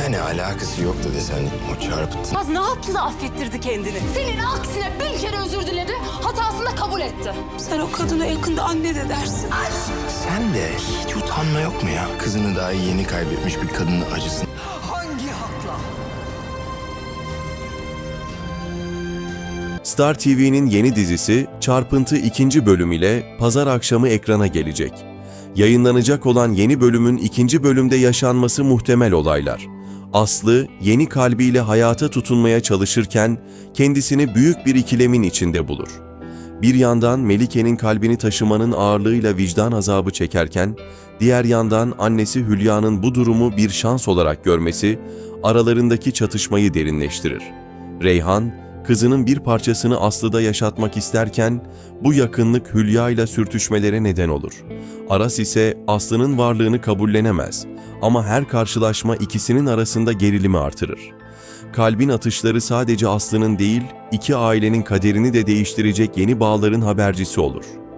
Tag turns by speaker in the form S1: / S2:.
S1: Yani alakası yoktu desen o çarpıtı.
S2: Az ne yaptı da affettirdi kendini?
S3: Senin aksine bin kere özür diledi, hatasını da kabul etti.
S2: Sen o kadına yakında anne de dersin.
S1: Sen de hiç utanma yok mu ya? Kızını daha yeni kaybetmiş bir kadının acısını.
S2: Hangi hakla?
S4: Star TV'nin yeni dizisi Çarpıntı 2. bölüm ile pazar akşamı ekrana gelecek. Yayınlanacak olan yeni bölümün 2. bölümde yaşanması muhtemel olaylar. Aslı yeni kalbiyle hayata tutunmaya çalışırken kendisini büyük bir ikilemin içinde bulur. Bir yandan Melike'nin kalbini taşımanın ağırlığıyla vicdan azabı çekerken, diğer yandan annesi Hülya'nın bu durumu bir şans olarak görmesi aralarındaki çatışmayı derinleştirir. Reyhan, kızının bir parçasını Aslı'da yaşatmak isterken bu yakınlık Hülya ile sürtüşmelere neden olur. Aras ise Aslı'nın varlığını kabullenemez ama her karşılaşma ikisinin arasında gerilimi artırır. Kalbin atışları sadece Aslı'nın değil, iki ailenin kaderini de değiştirecek yeni bağların habercisi olur.